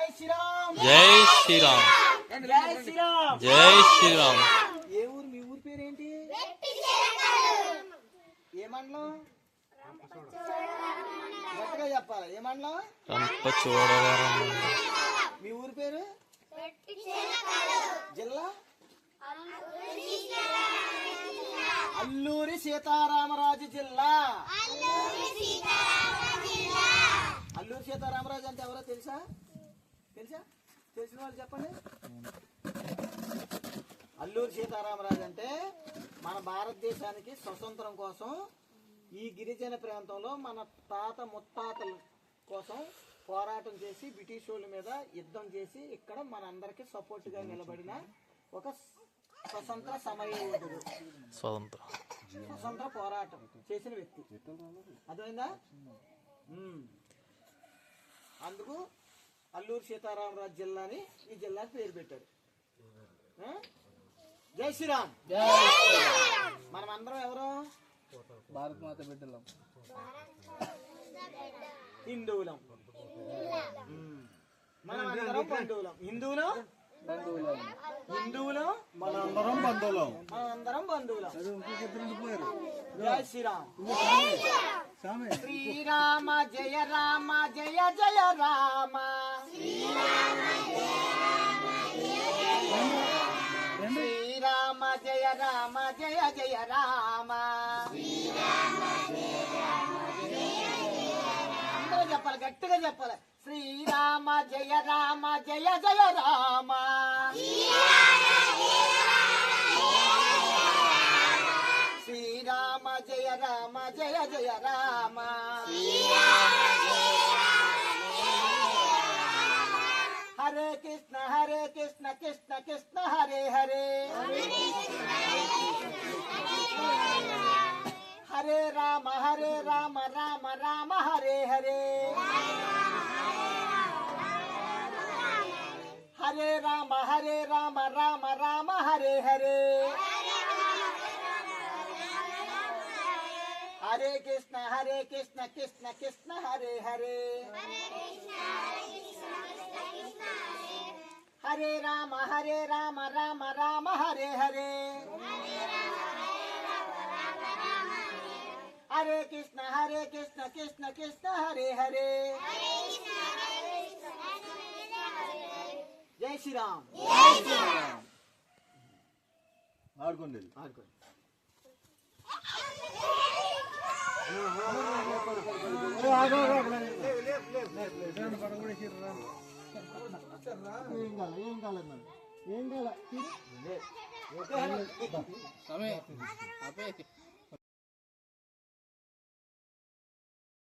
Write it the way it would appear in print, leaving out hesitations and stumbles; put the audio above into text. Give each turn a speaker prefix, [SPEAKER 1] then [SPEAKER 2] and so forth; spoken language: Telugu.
[SPEAKER 1] శ్రీరామ్
[SPEAKER 2] జై శ్రీరామ్
[SPEAKER 1] జై శ్రీరామ్
[SPEAKER 2] జై శ్రీరామ్.
[SPEAKER 1] ఏ ఊరు మీ ఊరి పేరేంటి? ఏ మండలం? గట్టిగా చెప్పాలి. ఏ మండలం?
[SPEAKER 2] రంపచోడవరం.
[SPEAKER 1] మీ ఊరి పేరు? జిల్లా? అల్లూరి సీతారామరాజు జిల్లా. అల్లూరి సీతారామరాజు అంటే ఎవరో తెలుసా? తెలుసా? తెలిసిన వాళ్ళు చెప్పండి. అల్లూరి సీతారామరాజు అంటే మన భారతదేశానికి స్వతంత్రం కోసం ఈ గిరిజన ప్రాంతంలో మన తాత ముత్తాతల కోసం పోరాటం చేసి బ్రిటిష్ వాళ్ళ మీద యుద్ధం చేసి ఇక్కడ మనందరికి సపోర్ట్ గా నిలబడిన ఒక స్వతంత్ర సమరయోధుడు. స్వతంత్ర పోరాటం చేసిన వ్యక్తి. అర్థమైందా? అందుకు అల్లూరి సీతారామరాజు జిల్లాని ఈ జిల్లాకి పేరు పెట్టారు. జై శ్రీరామ్. మనం అందరం ఎవరు?
[SPEAKER 3] భారత మాత బిడ్డలం,
[SPEAKER 1] హిందువులం. మనం అందరం బంధువులం. హిందువులం
[SPEAKER 3] మనందరం బంధువులం.
[SPEAKER 1] మనందరం బంధువులం. జై శ్రీరామ్. శ్రీరామ జయ రామ జయ జయ రామ. శ్రీరామ జయ రామ జయ జయ రామ. అందరూ చెప్పాలి, గట్టిగా చెప్పాలి. శ్రీరామ జయ రామ జయ జయ రామ. శ్రీరామ జయ రామ జయ జయ రామ. హరే కృష్ణ కృష్ణ కృష్ణ హరే హరే. హరే రామ రామ రామ హరే హరే. హరే రామ రామ రామ హరే హరే. హరే కృష్ణ కృష్ణ కృష్ణ హరే హరే. హరే రామ రామ రామ హరే హరే. హరే కృష్ణ కృష్ణ కృష్ణ హరే హరే. జై శ్రీరామ్.
[SPEAKER 3] ఆడుకోండి.
[SPEAKER 1] ఏం కాల